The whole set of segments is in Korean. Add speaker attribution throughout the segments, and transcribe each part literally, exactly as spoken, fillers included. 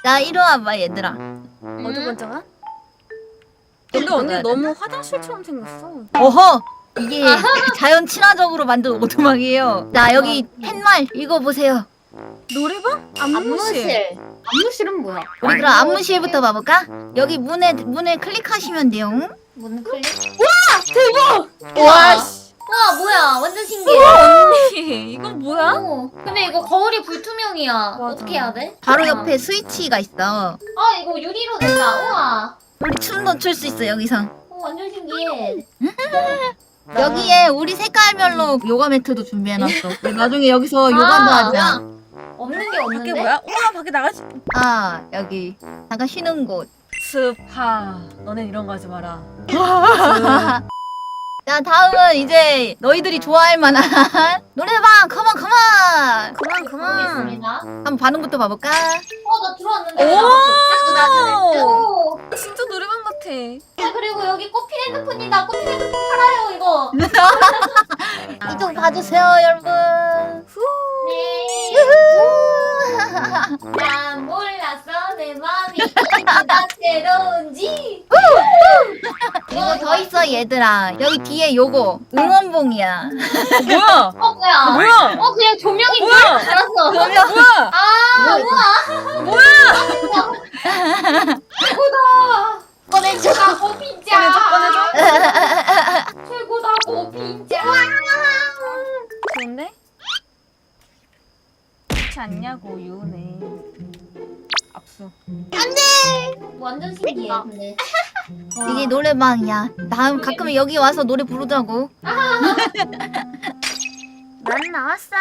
Speaker 1: 야 이리 와봐 얘들아.
Speaker 2: 어디 먼저 가? 근데 언니 너무 화장실처럼 생겼어.
Speaker 1: 어허! 이게 자연 친화적으로 만든 오두막이에요. 자 여기 팻말 읽어보세요.
Speaker 2: 노래방? 안무실.
Speaker 3: 안무실. 안무실은 뭐야?
Speaker 1: 우리 그럼 안무실부터 봐볼까? 여기 문에 문에 클릭하시면 돼요.
Speaker 3: 문 클릭?
Speaker 1: 와,
Speaker 3: 와 뭐야 완전 신기해.
Speaker 2: 언니 이건 뭐야?
Speaker 3: 어, 근데 이거 거울이 불투명이야.
Speaker 2: 맞아.
Speaker 3: 어떻게 해야 돼?
Speaker 1: 바로
Speaker 3: 아.
Speaker 1: 옆에 스위치가 있어.
Speaker 3: 아 이거 유리로 된다. 우와.
Speaker 1: 우리 춤도 출 수 있어 여기서.
Speaker 3: 어, 완전 신기해.
Speaker 1: 여기에 우리 색깔별로 요가 매트도 준비해놨어. 우리 나중에 여기서 요가도
Speaker 3: 아,
Speaker 1: 하자.
Speaker 3: 없는 게
Speaker 2: 밖에
Speaker 3: 없는데?
Speaker 2: 뭐야? 우와 밖에 나가지.
Speaker 1: 아 여기 잠깐 쉬는 곳.
Speaker 2: 스파. 너넨 이런 거 하지 마라.
Speaker 1: 자 다음은 이제 너희들이 좋아할 만한 노래방 컴온 컴온.
Speaker 2: 그만 그만.
Speaker 3: 보겠습니다.
Speaker 1: 한번 반응부터 봐볼까?
Speaker 3: 어 나 들어왔는데.
Speaker 2: 오!
Speaker 3: 오.
Speaker 2: 진짜 노래방 같아.
Speaker 3: 아 그리고 여기 꽃필 핸드폰이다. 꽃필 핸드폰 팔아요 이거.
Speaker 1: 이쪽 봐주세요 여러분.
Speaker 3: 네. 난 몰랐어 내 맘이 이보다 새로운지.
Speaker 1: 이거 더 있어 얘들아. 여기 뒤에 요거 응원봉이야.
Speaker 2: 뭐야?
Speaker 3: 어 뭐야?
Speaker 2: 뭐야?
Speaker 3: 어 그냥 조명인 줄
Speaker 2: 뭐야?
Speaker 3: 알았어.
Speaker 1: 그러면
Speaker 2: 뭐야?
Speaker 3: 아 우와.
Speaker 2: 뭐야?
Speaker 3: 최고다. 꺼내줘. 고핀자.
Speaker 2: 꺼내줘 꺼내줘.
Speaker 3: 최고다 고핀자.
Speaker 2: 좋은데? 그렇지 않냐고 유네. 압수.
Speaker 3: 완전 신기해. 근데.
Speaker 1: 이게 노래방이야. 다음 가끔 여기 와서 노래 부르자고.
Speaker 2: 난 나왔어.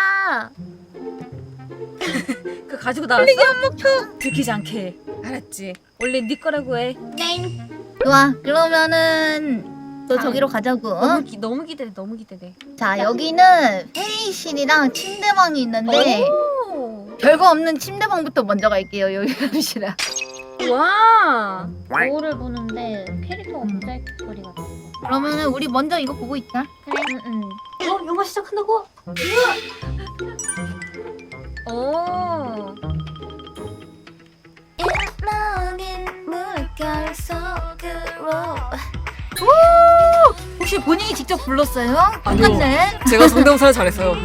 Speaker 2: 그 가지고 나왔어? 흘리기 한 목표. 들키지 않게. 알았지. 원래 네 거라고 해.
Speaker 3: 네.
Speaker 1: 좋아. 그러면은 또 저기로 가자고.
Speaker 2: 너무 기, 너무 기대돼. 너무 기대돼.
Speaker 1: 자 여기는 회의실이랑 침대방이 있는데
Speaker 2: 오.
Speaker 1: 별거 없는 침대방부터 먼저 갈게요. 여기 갑시다.
Speaker 2: 와.
Speaker 3: 거울을 보는데 캐릭터가 모자이크 소리가 나.
Speaker 1: 그러면은 우리 먼저 이거 보고 있자.
Speaker 3: 그래. 응응. 어 영화 시작한다고?
Speaker 2: 오.
Speaker 1: 혹시 본인이 직접 불렀어요?
Speaker 2: 아니요.
Speaker 1: 똑같네.
Speaker 2: 제가 성대모사를 잘했어요.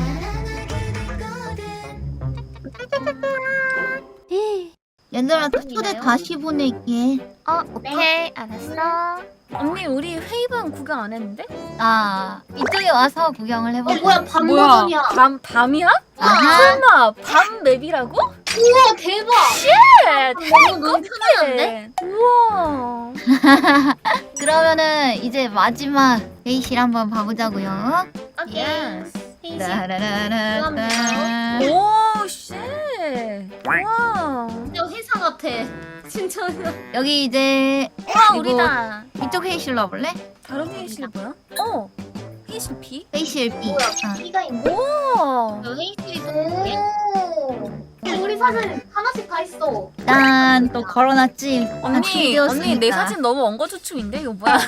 Speaker 1: 얘들아 초대 다시 보낼게.
Speaker 3: 어 오케이 알았어.
Speaker 2: 언니 우리 회의방 구경 안 했는데?
Speaker 1: 아 이쪽에 와서 구경을
Speaker 3: 어
Speaker 1: 해볼까?
Speaker 3: 뭐야 밤
Speaker 2: 뭐야?
Speaker 3: 버전이야.
Speaker 2: 밤 밤이야?
Speaker 1: 아하.
Speaker 2: 설마 밤 맵이라고?
Speaker 3: 우와 대박.
Speaker 2: 쉣!
Speaker 3: 너무 너무 편한데?
Speaker 2: 우와.
Speaker 1: 그러면은 이제 마지막 회의실 한번 봐보자고요.
Speaker 3: 오케이. 회의실.
Speaker 1: 따라라라라.
Speaker 2: 오 쉣. 와.
Speaker 3: 진짜 회사 같아. 진짜.
Speaker 1: 여기 이제
Speaker 2: 와
Speaker 1: 그리고
Speaker 2: 우리다.
Speaker 1: 이쪽 회의실로 와볼래?
Speaker 2: 다른 회의실 뭐야? 어. 회의실 B?
Speaker 1: 회의실 B.
Speaker 3: 뭐야?
Speaker 1: 어.
Speaker 3: B가 있네.
Speaker 2: 오.
Speaker 3: 저 회의실이도. 오. 우리 사진 하나씩 다 있어.
Speaker 1: 짠, 또 걸어놨지. 아,
Speaker 2: 언니
Speaker 1: 준비되었으니까.
Speaker 2: 언니 내 사진 너무 엉거주춤인데 이거 뭐야?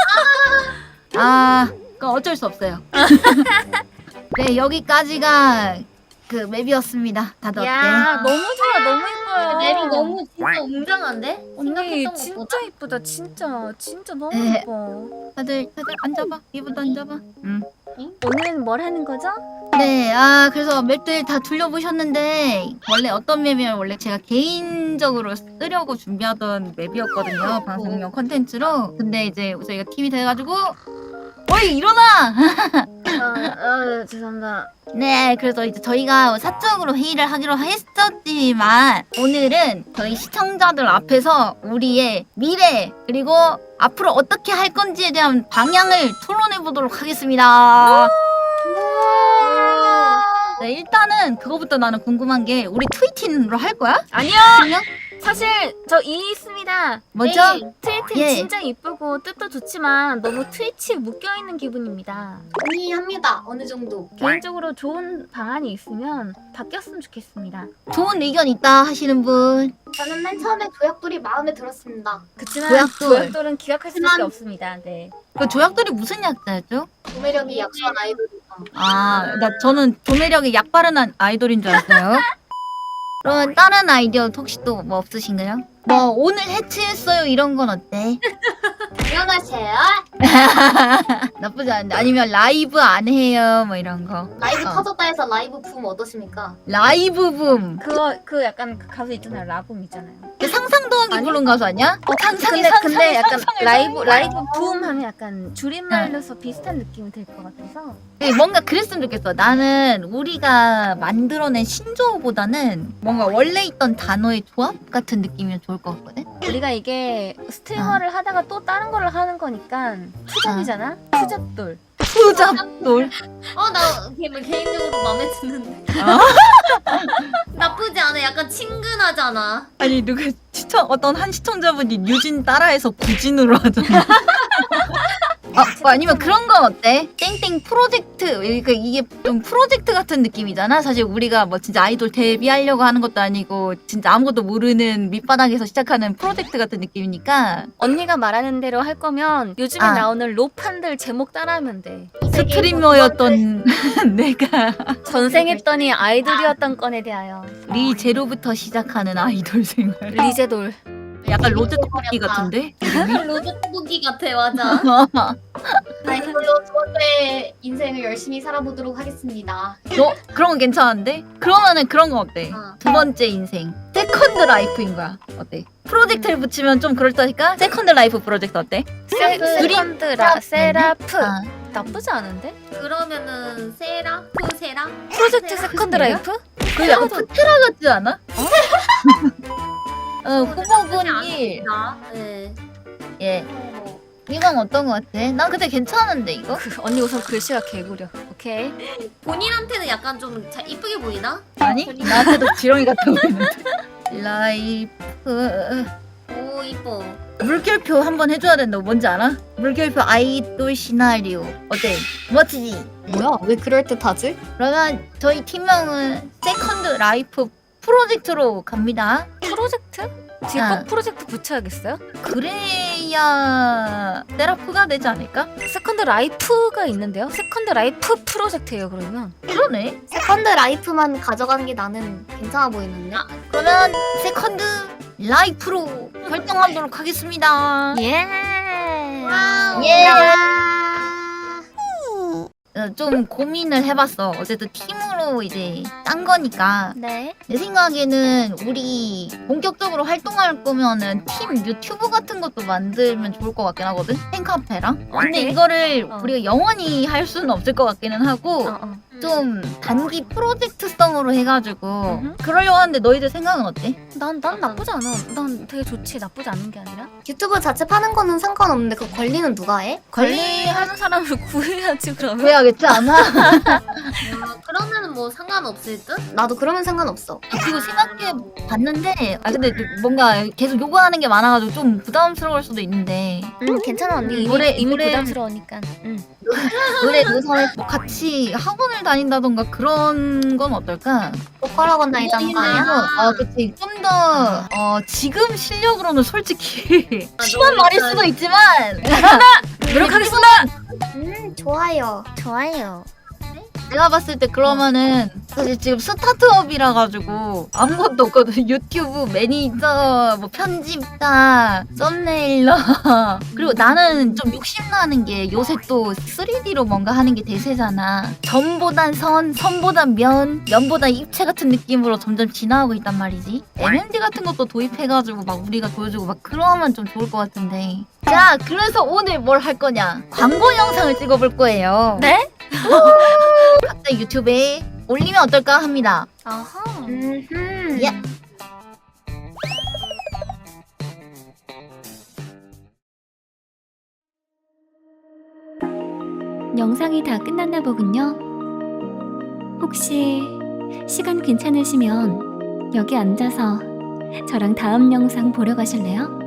Speaker 1: 아, 그건 어쩔 수 없어요. 네, 여기까지가 그 맵이었습니다. 다들 어때?
Speaker 2: 야 너무 좋아 너무 예뻐요.
Speaker 3: 맵이 너무 진짜 웅장한데?
Speaker 2: 언니
Speaker 3: 생각했던
Speaker 2: 진짜
Speaker 3: 것보다.
Speaker 2: 이쁘다 진짜 진짜 너무
Speaker 1: 네.
Speaker 2: 예뻐.
Speaker 1: 다들 다들 앉아봐. 이분도 앉아봐. 응.
Speaker 2: 오늘은 뭘 하는 거죠?
Speaker 1: 네, 아 그래서 맵들 다 둘러보셨는데 원래 어떤 맵이면 원래 제가 개인적으로 쓰려고 준비하던 맵이었거든요. 방송용 컨텐츠로. 근데 이제 저희가 팀이 돼가지고 어이 일어나!
Speaker 2: 아, 아 죄송합니다.
Speaker 1: 네, 그래서 이제 저희가 사적으로 회의를 하기로 했었지만 오늘은 저희 시청자들 앞에서 우리의 미래 그리고 앞으로 어떻게 할 건지에 대한 방향을 토론해 보도록 하겠습니다. 네, 일단은 그거부터 나는 궁금한 게 우리 트위팅으로 할 거야?
Speaker 2: 아니요.
Speaker 1: 그냥?
Speaker 2: 사실 저 이 있습니다.
Speaker 1: 뭐죠?
Speaker 3: 네.
Speaker 2: 트위팅
Speaker 1: 예.
Speaker 2: 진짜 이쁘고 뜻도 좋지만 너무 트위치에 묶여있는 기분입니다.
Speaker 3: 동의합니다. 어느 정도.
Speaker 2: 개인적으로 좋은 방안이 있으면 바뀌었으면 좋겠습니다.
Speaker 1: 좋은 의견 있다 하시는 분.
Speaker 3: 저는 맨 처음에 조약돌이 마음에 들었습니다.
Speaker 2: 그치만
Speaker 1: 조약돌.
Speaker 2: 조약돌은 기각할 수밖에
Speaker 3: 하지만-
Speaker 2: 없습니다. 네.
Speaker 1: 그 조약돌이 무슨 약자였죠?
Speaker 3: 구매력이 약한 아이돌이다.
Speaker 1: 아, 나 저는 조매력에 약 바르는 아이돌인 줄 알았어요. 그러면 다른 아이디어 혹시 또 뭐 없으신가요? 뭐 오늘 해체했어요 이런 건 어때?
Speaker 3: 안녕하세요.
Speaker 1: 나쁘지 않은데 아니면 라이브 안 해요 뭐 이런 거.
Speaker 3: 라이브
Speaker 1: 어.
Speaker 3: 터졌다 해서 라이브 붐 어떠십니까?
Speaker 1: 라이브 붐.
Speaker 2: 그거 그 약간 그 가수 있잖아요. 라붐 있잖아요.
Speaker 1: 그 상상도 하기
Speaker 2: 아니?
Speaker 1: 부른 가수 아니야? 어, 상상이
Speaker 2: 근데
Speaker 1: 상상이
Speaker 2: 근데 약간
Speaker 1: 상상이
Speaker 2: 라이브
Speaker 1: 상상이.
Speaker 2: 라이브 붐 하면 약간 줄임말로서 비슷한 느낌이 될 것 같아서.
Speaker 1: 네, 뭔가 그랬으면 좋겠어. 나는 우리가 만들어낸 신조어보다는 뭔가 원래 있던 단어의 조합 같은 느낌이면 좋을 것 같거든?
Speaker 2: 우리가 이게 스트리머를 하다가 또 다른 걸 하는 거니까 투잡이잖아. 투잡돌.
Speaker 1: 투잡돌.
Speaker 3: 어, 나 개인- 개인적으로 마음에 드는데.
Speaker 1: 아?
Speaker 3: 나쁘지 않아. 약간 친근하잖아.
Speaker 1: 아니 누가 시청 어떤 한 시청자분이 뉴진 따라해서 구진으로 하잖아. 아, 뭐 아니면 그런 건 어때? 땡땡 프로젝트. 그러니까 이게 좀 프로젝트 같은 느낌이잖아. 사실 우리가 뭐 진짜 아이돌 데뷔하려고 하는 것도 아니고 진짜 아무것도 모르는 밑바닥에서 시작하는 프로젝트 같은 느낌이니까
Speaker 2: 언니가 말하는 대로 할 거면 요즘에
Speaker 1: 아.
Speaker 2: 나오는 로판들 제목 따라하면 돼.
Speaker 1: 스트리머였던 내가
Speaker 2: 전생했더니 아이돌이었던 건에 대하여.
Speaker 1: 리제로부터 시작하는 아이돌 생활.
Speaker 2: 리제돌.
Speaker 1: 약간 로제 떡볶이 같은데?
Speaker 3: 로즈 떡볶이 같아, 맞아. 아이돌로 두 번째 인생을 열심히 살아보도록 하겠습니다.
Speaker 1: 너 그런 건 괜찮은데? 그러면은 그런 건 어때?
Speaker 3: 어.
Speaker 1: 두 번째 인생 세컨드 라이프인 거야. 어때? 프로젝트를 붙이면 좀 그럴다니까? 세컨드 라이프 프로젝트 어때?
Speaker 2: 세, 세컨드라 세라프.
Speaker 1: 아.
Speaker 2: 나쁘지 않은데?
Speaker 3: 그러면은 세라? 프 세라?
Speaker 2: 프로젝트 세컨드 라이프?
Speaker 1: 그 약간 프테라 같지 않아? 어, 후보군이
Speaker 3: 네.
Speaker 1: 예. 이건 어떤 거 같아? 난 근데 괜찮은데 이거?
Speaker 2: 그, 언니 우선 글씨가 개구려. 오케이.
Speaker 3: 본인한테는 약간 좀 잘 이쁘게 보이나?
Speaker 1: 아니? 나한테도 지렁이 같아 보이는데. 라이프
Speaker 3: 오, 이뻐.
Speaker 1: 물결표 한번 해줘야 된다고. 뭔지 알아? 물결표 아이돌 시나리오 어때? 멋지지?
Speaker 3: 뭐야? 왜 그럴 듯하지?
Speaker 1: 그러면 저희 팀명은 세컨드 라이프 프로젝트로 갑니다.
Speaker 2: 프로젝트? 뒤에
Speaker 1: 아.
Speaker 2: 꼭 프로젝트 붙여야겠어요?
Speaker 1: 그래야 세라프가 되지 않을까?
Speaker 2: 세컨드 라이프가 있는데요? 세컨드 라이프 프로젝트예요 그러면.
Speaker 1: 그러네.
Speaker 3: 세컨드 라이프만 가져가는 게 나는 괜찮아 보이는데?
Speaker 1: 그러면 세컨드 라이프로 활동하도록 하겠습니다.
Speaker 2: 예.
Speaker 3: 와우.
Speaker 1: 예. 어, 좀 고민을 해봤어. 어쨌든 팀으로 이제 짠 거니까
Speaker 2: 네.
Speaker 1: 내 생각에는 우리 본격적으로 활동할 거면은 팀 유튜브 같은 것도 만들면 좋을 것 같긴 하거든. 팬카페랑. 근데
Speaker 2: 오케이.
Speaker 1: 이거를
Speaker 2: 어.
Speaker 1: 우리가 영원히 할 수는 없을 것 같기는 하고
Speaker 2: 어, 어.
Speaker 1: 좀 단기 프로젝트성으로 해가지고
Speaker 2: 음흠.
Speaker 1: 그러려고 하는데 너희들 생각은 어때?
Speaker 2: 난, 난 나쁘지 않아. 난 되게 좋지. 나쁘지 않은 게 아니라.
Speaker 3: 유튜브 자체 파는 거는 상관없는데 그 관리는 누가 해?
Speaker 2: 관리하는 사람을 구해야지 그러면.
Speaker 1: 그래야겠지 않아?
Speaker 3: 그러면은 뭐 상관없을 듯? 나도 그러면 상관없어.
Speaker 1: 그리고 생각해 봤는데 아 근데 뭔가 계속 요구하는 게 많아가지고 좀 부담스러울 수도 있는데
Speaker 2: 응 괜찮아 언니. 이미,
Speaker 1: 노래-
Speaker 2: 이미
Speaker 1: 노래-
Speaker 2: 부담스러우니까. 응.
Speaker 1: 노래 노사에 뭐 같이 학원을 다닌다던가 그런 건 어떨까?
Speaker 3: 보컬학원 다니자는 거 아니야?
Speaker 1: 아 그치 좀 더 어, 지금 실력으로는 솔직히 심한
Speaker 3: 너무
Speaker 1: 말일
Speaker 3: 잘-
Speaker 1: 수도 있지만
Speaker 2: 노력하겠습니다.
Speaker 3: 음, 좋아요.
Speaker 2: 좋아요.
Speaker 1: 내가 봤을 때 그러면은 사실 지금 스타트업이라 가지고 아무것도 없거든. 유튜브 매니저, 뭐 편집자, 썸네일러 그리고 나는 좀 욕심나는 게 요새 또 쓰리디로 뭔가 하는 게 대세잖아. 점보단 선, 선보단 면, 면보단 입체 같은 느낌으로 점점 진화하고 있단 말이지. 엠엠디 같은 것도 도입해가지고 막 우리가 보여주고 막 그러면 좀 좋을 것 같은데. 자, 그래서 오늘 뭘 할 거냐? 광고 영상을 찍어볼 거예요.
Speaker 2: 네?
Speaker 1: 각자 유튜브에 올리면 어떨까 합니다.
Speaker 2: 아하.
Speaker 3: 음.
Speaker 1: 예.
Speaker 4: 영상이 다 끝났나 보군요. 혹시 시간 괜찮으시면 여기 앉아서 저랑 다음 영상 보러 가실래요?